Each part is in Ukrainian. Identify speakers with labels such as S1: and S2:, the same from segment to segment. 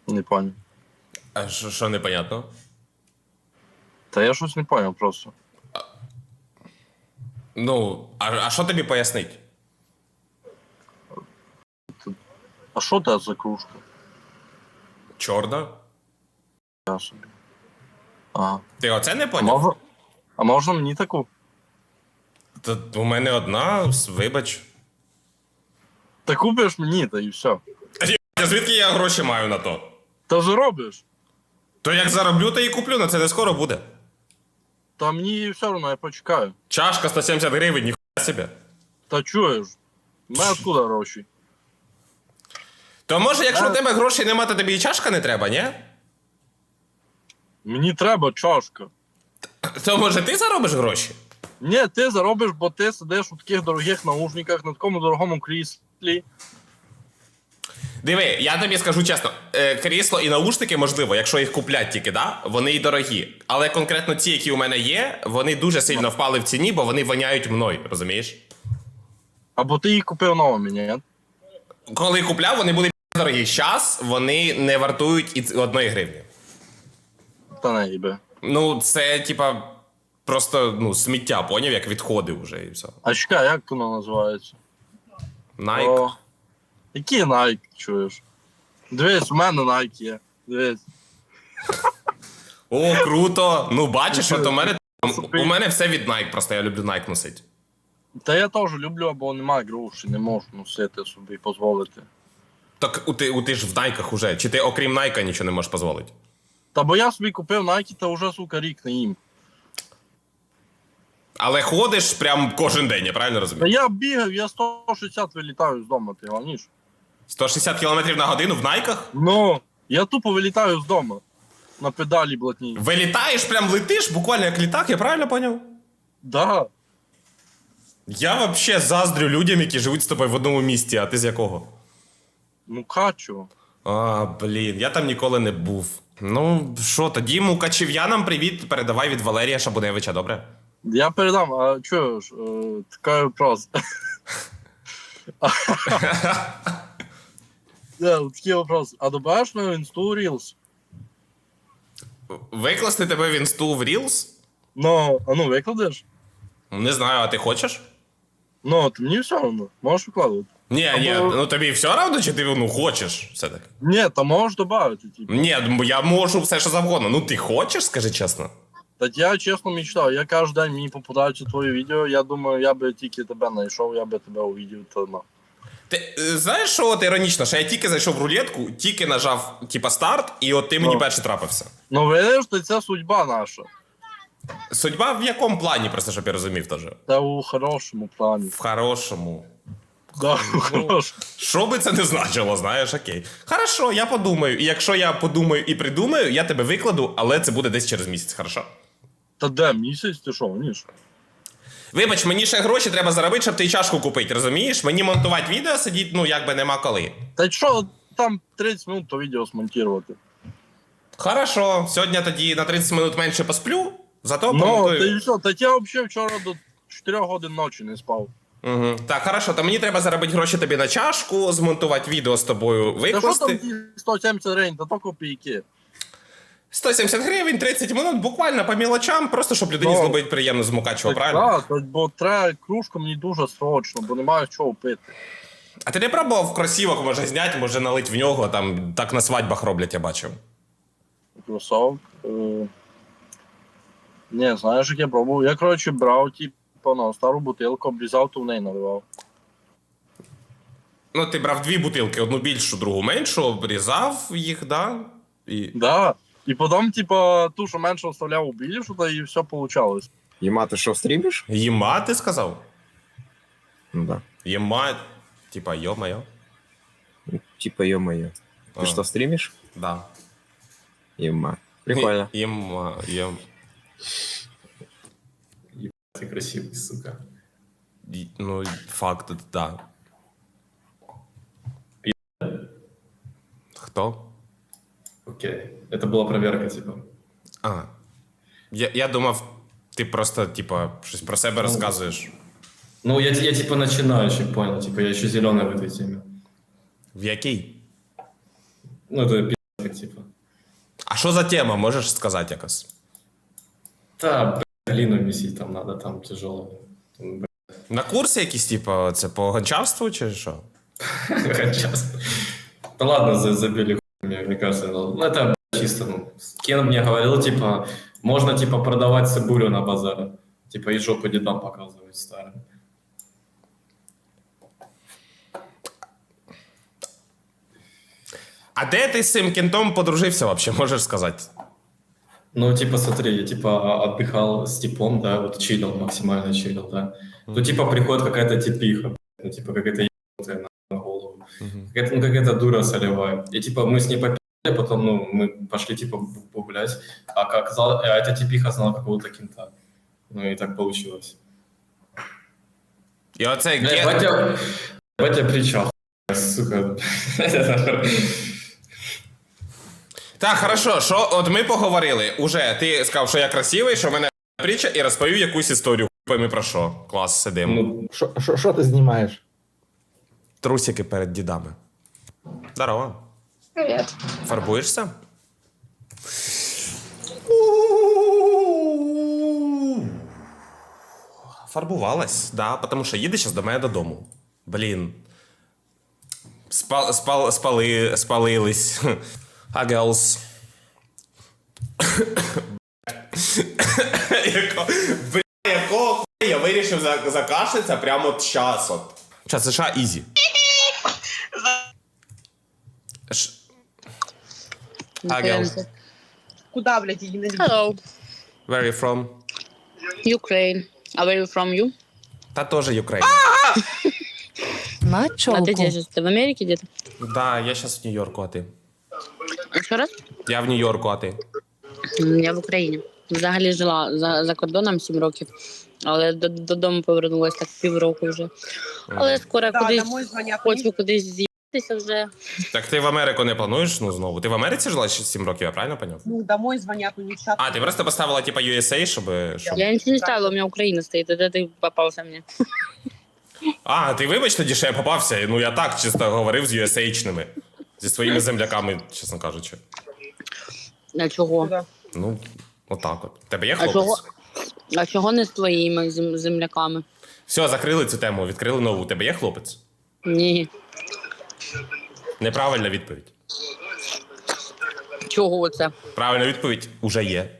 S1: Не понял.
S2: А що непонятно?
S1: Та я щось не понял просто.
S2: Ну, а що тобі пояснить?
S1: А що це за кружка?
S2: Чорна?
S1: Я собі. Ага.
S2: Ти оце не
S1: А
S2: поняв?
S1: можна мені таку?
S2: Та у мене одна, вибач.
S1: Та купиш мені, та і все.
S2: А звідки я гроші маю на то?
S1: Та вже робиш.
S2: То як зароблю, то і куплю, на це не скоро буде.
S1: Та мені все одно, я почекаю.
S2: Чашка 170 гривень, ніхуя себе.
S1: Та чуєш? У мене откуда гроші?
S2: То може, якщо в тебе грошей нема, то тобі і чашка не треба, ні?
S1: Мені треба чашка.
S2: То може ти заробиш гроші?
S1: Ні, ти заробиш, бо ти сидиш у таких дорогих наушниках, на такому дорогому кріслі.
S2: Диви, я тобі скажу чесно, крісло і наушники, можливо, якщо їх куплять тільки, да, вони і дорогі. Але конкретно ті, які у мене є, вони дуже сильно впали в ціні, бо вони воняють мною, розумієш?
S1: Або ти їх купив новими, ні?
S2: Коли купляв, вони були дорогі. Щас вони не вартують і 1 гривні.
S1: Та не їбе.
S2: Ну, це, типа, просто, ну, сміття, поняв, як відходи вже і все.
S1: А чекай, як воно називається?
S2: Nike.
S1: О, які Nike, чуєш? Дивись, у мене Nike є. Дивись.
S2: О, круто! Ну, бачиш, от у мене все від Nike, просто я люблю Nike носити.
S1: Та я теж люблю, або немає грошей, не можу носити собі, дозволити.
S2: Так ти ж в Найках уже. Чи ти окрім Найка нічого не можеш дозволити?
S1: Та бо я собі купив Nike, та вже, сука, рік не їм.
S2: Але ходиш прям кожен день, я правильно
S1: Та
S2: розумію?
S1: я бігав, я 160 вилітаю з дому, ти гоніш?
S2: 160 км на годину в Найках?
S1: Ну, я тупо вилітаю з дому. На педалі блатні.
S2: Вилітаєш, прям летиш, буквально як літак, я правильно поняв?
S1: Да.
S2: Я вообще заздрю людям, які живуть з тобою в одному місті, а ти з якого?
S1: Ну, качу.
S2: А, блін, я там ніколи не був. Ну, що, тоді мукачів'янам привіт, передавай від Валерія Шабуневича, добре?
S1: Я передам, а чуєш, такий вопрос. Такий вопрос. А добавиш на інсту Reels?
S2: Викласти тебе в інсту в Reels?
S1: Ну, а ну викладеш?
S2: Не знаю, а ти хочеш?
S1: Ну, ти мені все одно, можеш викладувати.
S2: Ні, ну тобі все одно, чи ти ну, хочеш все-таки?
S1: Ні, та можеш додати, типу.
S2: Ні, я можу все, що завгодно. Ну ти хочеш, скажи чесно?
S1: Та я чесно мечтав, я кожен день мені попадаються твої відео, я думаю, я би тільки тебе знайшов, я би тебе увидів, то ну.
S2: Ти знаєш, що от іронічно, що я тільки зайшов в рулетку, тільки нажав, типа, старт, і от ти мені перший трапився.
S1: Ну видиш, то це судьба наша.
S2: Судьба в якому плані, просто щоб я розумів теж?
S1: Та у хорошому плані.
S2: В хорошому.
S1: Да, у хорошому.
S2: Що би це не значило, знаєш, окей. Хорошо, я подумаю. І якщо я подумаю і придумаю, я тебе викладу, але це буде десь через місяць, хорошо?
S1: Та де місяць, ти що, ніж?
S2: Вибач, мені ще гроші треба заробити, щоб ти чашку купити, розумієш? Мені монтувати відео сидіть, ну, якби нема коли.
S1: Та що, там 30 минут то відео смонтувати.
S2: Хорошо, сьогодні тоді на 30 минут менше посплю, зато
S1: Ну, та
S2: помонтую.
S1: і все, та я взагалі вчора до 4 годин ночі не спав.
S2: Угу. Так, хорошо, то мені треба заробити гроші тобі на чашку, змонтувати відео з тобою,
S1: Та що
S2: викласти.
S1: там ті 170 гривень, та то копійки.
S2: 170 гривень, 30 минут, буквально по мілочам, просто щоб людині
S1: Ну,
S2: зробити приємно з Мукачева, правильно?
S1: Так, бо треба кружку мені дуже срочно, бо немає чого пити.
S2: А ти не пробував кросівок, може зняти, може налить в нього, там так на свадьбах роблять, я бачив.
S1: Кросовок. Не, знаєш, як я пробував. Я, коротше, брав, типу, на стару бутилку, обрізав, то в неї наливав.
S2: Ну, ти брав 2 бутилки, одну більшу, другу меншу, обрізав їх, да? І...
S1: Да. І потім, типу, ту, що менше оставляв у більшу, та і все вийшло.
S3: Ема, ты что, стримишь?
S2: Єма, ти сказав?
S3: Ну да.
S2: Єма, типа, йо-моє.
S3: Ну, типа, ё-моё.
S2: А.
S3: Ты что, стримишь?
S2: Да.
S3: Ема. Прикольно.
S2: Єма,
S4: Ты красивый, сука.
S2: ну, факт, да. Хто?
S4: Окей. Это была проверка, типа.
S2: А. Я думав, ти просто, типа, щось про себе розказуєш.
S4: Ну, я типа начинающий, понял. Типа, я еще зеленый в этой теме.
S2: В якій?
S4: Ну, это пи***, так типа.
S2: А що за тема, можеш сказати якось?
S4: Да, глину месить там надо, там тяжело. Там,
S2: На курсі якісь, типу, це по гончарству чи що?
S4: Сейчас. Да ладно, забили хуй, мне кажется. Ну, это чисто, ну, Кен мне говорил, типа, можно, типа, продавать цибулю на базаре. Типа, и жопу дедам показывать старым.
S2: А де ти з цим кентом подружився вообще, можеш сказати?
S4: Ну, типа, смотри, я, типа, отдыхал с типом, да, вот чилил, максимально чилил, да. Тут, типа, приходит какая-то типиха, ну, типа, какая-то ебанутая на голову. Какая-то, ну, какая-то дура солевая. И, типа, мы с ней попили, потом, ну, мы пошли, типа, погулять, а эта типиха знала какого-то кента. Ну, и так получилось.
S2: І оцей
S4: Бля,
S2: кент...
S4: батя причал, сука.
S2: Так, хорошо, що от ми поговорили. Уже ти сказав, що я красивий, що в мене притча, і розповів якусь історію. Пойми про що. Клас, сидимо.
S4: Ну,
S5: Що ти знімаєш?
S2: Трусики перед дідами. Здорово.
S6: Привет.
S2: Фарбуєшся? Фарбувалась, да, тому що їде зараз до мене додому. Блін. Спалились. А girls. Якого хуя я вирішив закашлятися прямо от час от. Час США ізі. А girls.
S6: Куда, блядь, иди на
S7: Hello,
S2: Where are you from?
S7: Ukraine. А where you from, you?
S2: Та теж Україна.
S8: На
S7: А ты
S8: чолку.
S7: где сейчас? Ты в Америке где-то?
S2: Да, я зараз в Нью-Йорку, а ти?
S7: Еще раз?
S2: Я в Нью-Йорку, а ти?
S7: Я в Україні. Взагалі жила за кордоном 7 років, але додому повернулася так півроку вже. Але скоро
S6: Да,
S7: кудись
S6: домой звонят.
S7: хочу кудись з'їхатися вже.
S2: Так ти в Америку не плануєш, ну, знову? Ти в Америці жила ще 7 років, я правильно поняв?
S6: Ну, домой звонят, ну, не в чат.
S2: А, ти просто поставила, типа, USA, щоб...
S7: Я нічого не ставила, у мене Україна стоїть, де ти попався мені.
S2: А, ти вибач тоді, що я попався. Ну, я так чисто говорив з USA-чними. Зі своїми земляками, чесно кажучи.
S7: А чого?
S6: Да.
S2: Ну, отак от. Тебе є
S7: А
S2: хлопець?
S7: чого? А чого не з твоїми земляками?
S2: Все, закрили цю тему, відкрили нову. Тебе є хлопець?
S7: Ні.
S2: Неправильна відповідь.
S7: Чого це?
S2: Правильна відповідь уже є.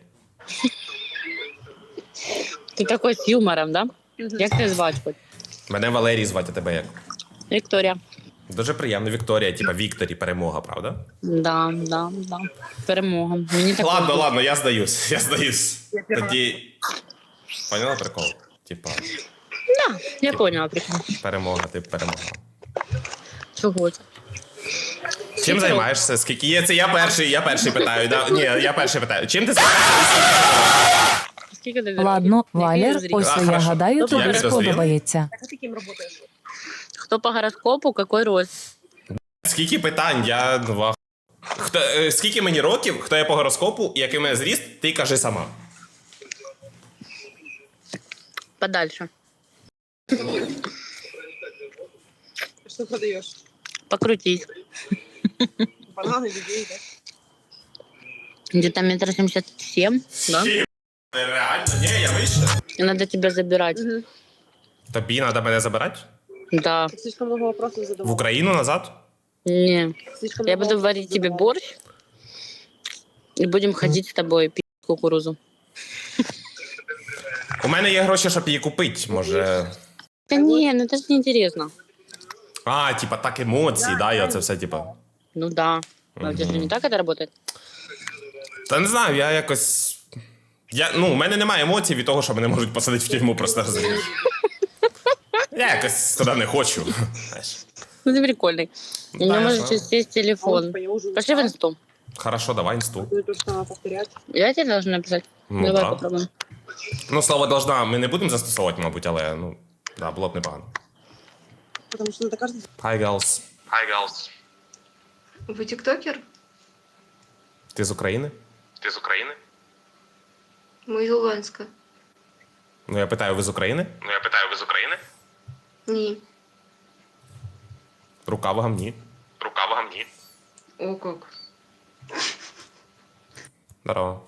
S7: Ти такий з юмором, да? Як тебе звати хоч?
S2: Мене Валерій звати, а тебе як?
S7: Вікторія.
S2: Дуже приємно, Вікторія, типа Вікторі, перемога, правда?
S7: Да. Перемога. Мені так
S2: Ладно, я здаюсь. Тоді. Поняла прикол? Типа,
S7: Я поняла прикол.
S2: перемога, ти перемога.
S7: Чого це?
S2: Чим займаєшся? Скільки є? Це я перший питаю. Да? Ні, я перший питаю. Чим ти займаєшся?
S7: Скільки ти
S8: Ладно,
S7: Який
S8: Валер,
S7: розріз?
S8: ось
S2: А,
S8: я
S2: хорошо.
S8: гадаю,
S7: Я
S8: тобі
S2: підозріла.
S8: сподобається.
S6: Так, а ты кем работаешь?
S7: Хто по гороскопу, який рост?
S2: Скільки питань? Я вах. Скільки мені років, хто я по гороскопу, і який в мене зріст, ти кажи сама.
S7: Подальше.
S6: Что продаешь?
S7: Покрутись.
S6: Бананы, людей, да?
S7: Где-то 1,77 м, да?
S2: Реально? Ні, я вище.
S7: И надо тебя забирать.
S2: Тобі треба мене забирати?
S7: Да.
S6: Ты слишком много вопросов
S2: В
S6: задавал.
S2: Україну назад?
S7: Не.
S6: Слишком
S7: Я
S6: много
S7: буду
S6: вопросов
S7: варить тебе
S6: задавал.
S7: борщ. И будем ходить с тобой пить кукурузу.
S2: У мене є гроші, щоб її купити, може.
S7: Да не, ну это же неинтересно.
S2: А, типа так емоції, да, і оце все, типа.
S7: Ну да. А у тебя же не так это работает?
S2: Та не знаю, я якось. У мене немає емоцій від того, що мене можуть посадити в тюрму, просто розумієш. Я якось туди не хочу. Знаєш.
S7: Ну ты прикольный. У меня
S2: Да,
S7: может
S2: я
S7: сесть
S6: А он,
S7: телефон.
S6: типа, я уже
S7: Пошли в инсту.
S2: Хорошо, давай інсту.
S6: Ну, то, что надо повторять.
S7: Я тебе должна написать.
S2: Ну,
S7: Давай
S2: да.
S7: попробуем.
S2: Ну, слово должна ми не будемо застосовувати, мабуть, але да, було б непогано.
S6: Потому что надо каждый...
S2: Hi, girls. Hi, girls.
S9: Вы тиктокер?
S2: Ти з України? Ти з України?
S9: Мы из Луганска.
S2: Ну, я питаю, ви з України?
S9: Ні.
S2: Рука в гамні.
S9: О, как.
S2: Здорово.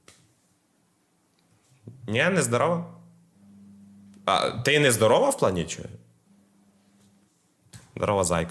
S2: Ні, не здорова? А, ти не здорова в плані чи? Здорова, зайка.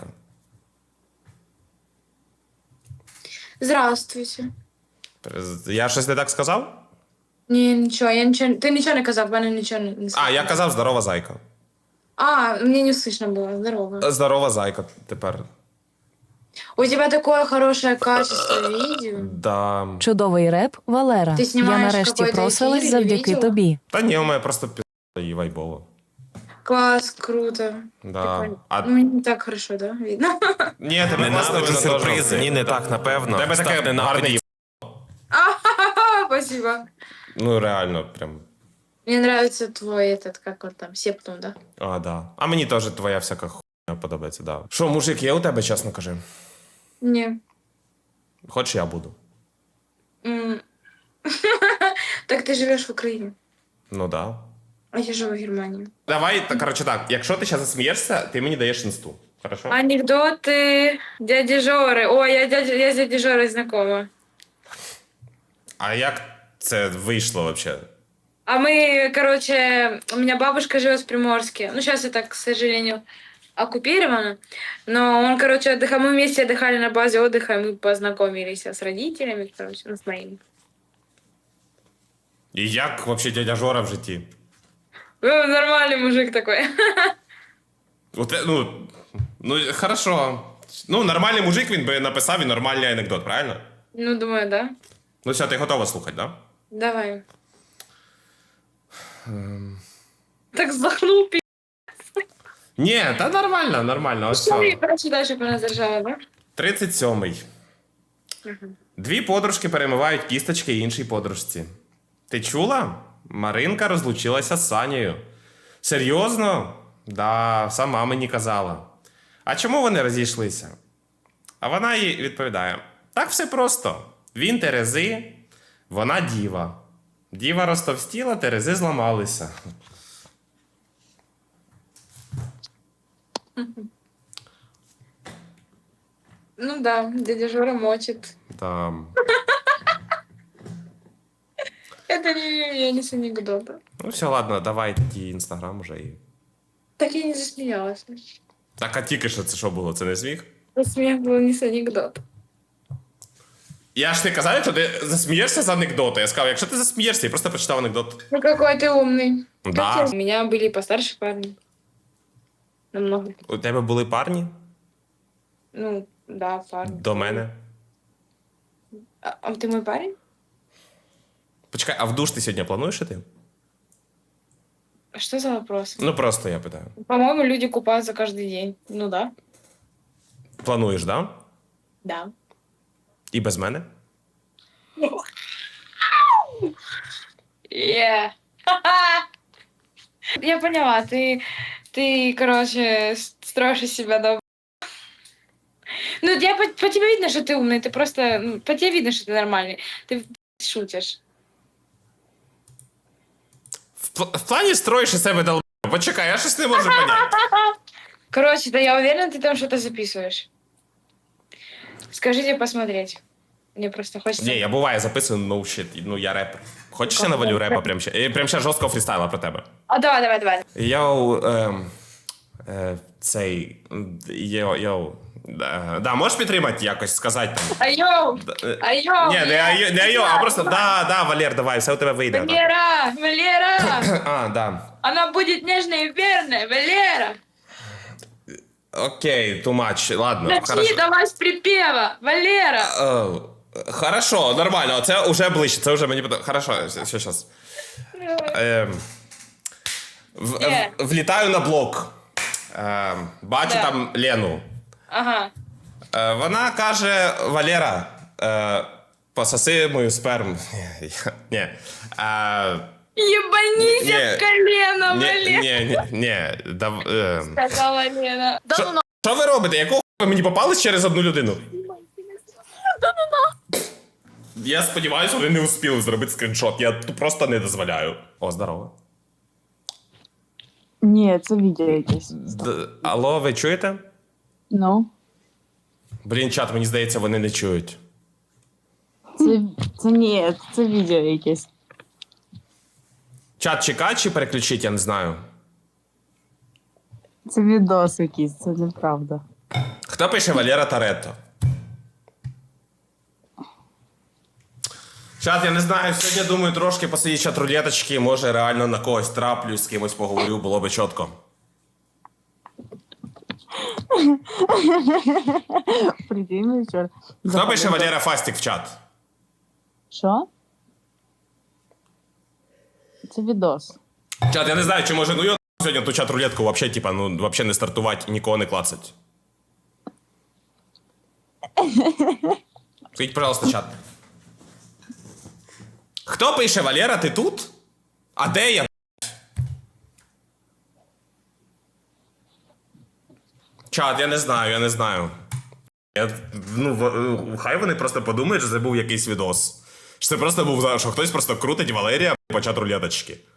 S5: Здравствуйте.
S2: Я щось не так сказав?
S5: Ні, нічого, я нічого. Ти нічого не казав, в мене нічого не сказав.
S2: А, я казав здорова, зайка.
S5: А, мені не слышно було. Здорово.
S2: Здорова, зайка тепер.
S5: У тебя такое хорошее качество видео.
S2: Да.
S8: Чудовий реп, Валера.
S5: Ти
S8: Я
S5: знімаєш
S8: нарешті
S5: какой-то
S8: просилась
S5: ефір,
S8: завдяки
S5: відео?
S8: тобі.
S2: Та ні, у мене просто і вайбово.
S5: Класс, круто.
S2: Да.
S5: Прикольно.
S2: А
S5: Ну, мені не так хорошо, да? Видно?
S2: ні, тебе класно
S10: Ненавиджу
S2: видно
S10: сюрпризи.
S2: теж.
S10: Ні, не так, напевно.
S2: Тебе таке
S10: Став
S2: гарне їб...
S5: Спасибо.
S2: Ну, реально, прям.
S5: Мне нравится твой этот, как он там, септум, да?
S2: А, да. А мені теж твоя всяка хуйня подобається, да. Що, мужик, є у тебе, чесно кажи?
S5: Не.
S2: Хоч я буду.
S5: М. Так ты живешь в Украине,
S2: Ну да.
S5: а я живу в Германии.
S2: Давай, коротше так, якщо ти зараз засмієшся, ти мені даєш інсту. Хорошо?
S5: Анекдоты дяди Жоры. Ой, я с дядей Жорой знакома.
S2: А як це вийшло взагалі?
S5: А мы, короче, у меня бабушка живет в Приморске. Ну, сейчас это, к сожалению, оккупировано. Но он, короче, отдыхал. Мы вместе отдыхали на базе отдыха, и мы познакомились с родителями, короче, ну, с моими.
S2: І як взагалі дядя Жора в житті?
S5: Ну, нормальный мужик такой.
S2: Ну, хорошо. Ну, нормальний мужик, він би написав і нормальний анекдот, правильно?
S5: Ну, думаю, да.
S2: Ну все, ти готова слухати, да?
S5: Давай. Так вздохнул, пи***.
S2: Ні, та нормально, нормально. Ось
S5: Что я,
S2: все.
S5: короче, дальше понадержала, да?
S2: 37-й. Дві подружки перемивають кісточки іншій подружці. Ти чула? Маринка розлучилася з Санєю. Серйозно? Да, сама мені казала. А чому вони розійшлися? А вона їй відповідає: так все просто. Він Терези, вона діва. Діва розтовстіла, Терези зламалися.
S5: Ну да, дядя Жора мочит.
S2: Там.
S5: Это не с анекдота.
S2: Ну все, ладно, давай тоді інстаграм уже і.
S5: Так я не засмеялась.
S2: Так, а тільки що це що було? Це не сміх?
S5: Смех был не с анекдота.
S2: Я ж не казав, якщо ти засмієшся з анекдота. Я сказав, якщо ти засмієшся, я просто прочитав анекдот.
S5: Ну какой ты умный.
S2: Да.
S5: Хотя у меня были постарше парни. Намного.
S2: У тебе були парні
S5: Ну, да, парни.
S2: до мене.
S5: А ты мой парень?
S2: Почекай, а в душ ти сьогодні плануєш іти?
S5: А что за вопрос?
S2: Ну просто я питаю.
S5: По-моему, люди купаются каждый день. Ну да.
S2: Плануєш, да?
S5: Да.
S2: І без мене?
S5: Yeah. Я поняла, ты, короче, строишь из себя добро. Ну, я по тебе видно, что ты умный, ты просто, ну, по тебе видно, что ты нормальный. Ты шутишь.
S2: В плані строїш із себе долб. Почекай, я щось не можу поняти.
S5: Короче, да я уверена, ты там что-то записываешь. Скажите посмотреть. Мне просто хочется...
S2: Ні, я буває записую no shit. Ну я репер. Хочеш я навалю репа прямо ще? Прямо ще жорсткого фрістайла про тебе.
S5: А, давай.
S2: Йоу, цей... Йоу. Да, можеш підтримати якось, сказати там?
S5: Айо!
S2: Ні, не айо, а просто да, Валер, давай, все у тебе вийде.
S5: Валера!
S2: А, да.
S5: Она будет нежной и верной, Валера!
S2: Окей, too much, ладно,
S5: Начни
S2: хорошо.
S5: давай с припева, Валера!
S2: Хорошо, нормально, це вже ближче, це вже мені подобається. Хорошо, все, щас. Влітаю на блок. Бачу
S5: Да.
S2: там Лену.
S5: Ага.
S2: Вона каже: Валера, пососи мою сперму. Ні.
S5: Ебанись
S2: Не,
S5: в колено, Валера!
S2: Ні.
S5: Сказала Лена.
S2: Що ви робите? Якого ви мені попались через одну людину? Я сподіваюся, вони не успіли зробити скріншот. Я тут просто не дозволяю. О, здорово.
S11: Ні, це відео якесь.
S2: Алло, ви чуєте?
S11: Ну.
S2: Блін, чат, мені здається, вони не чують.
S10: Це ні, це відео якесь.
S2: Чат чекать чи переключить, я не знаю.
S10: Це відос якийсь, це неправда.
S2: Хто пише Валера Таретто? Чат, я не знаю, сьогодні, думаю, трошки посидіть чат рулеточки, може реально на когось траплюсь, з кимось поговорю, було би чітко.
S10: Прикинь, чорт.
S2: Хто пише Валера Фастік в чат?
S10: Що? Це відос.
S2: Чат, я не знаю, чи може, ну я сьогодні ту чат рулетку вообще, типа, ну, вообще не стартувати і нікого не клацать. Скажіть, пожалуйста, чат. Хто пише, Валера, ти тут? А де я? Чат, я не знаю. Хай вони просто подумають, що це був якийсь відос. Що це просто був, що хтось просто крутить Валерія по чат рулеточки.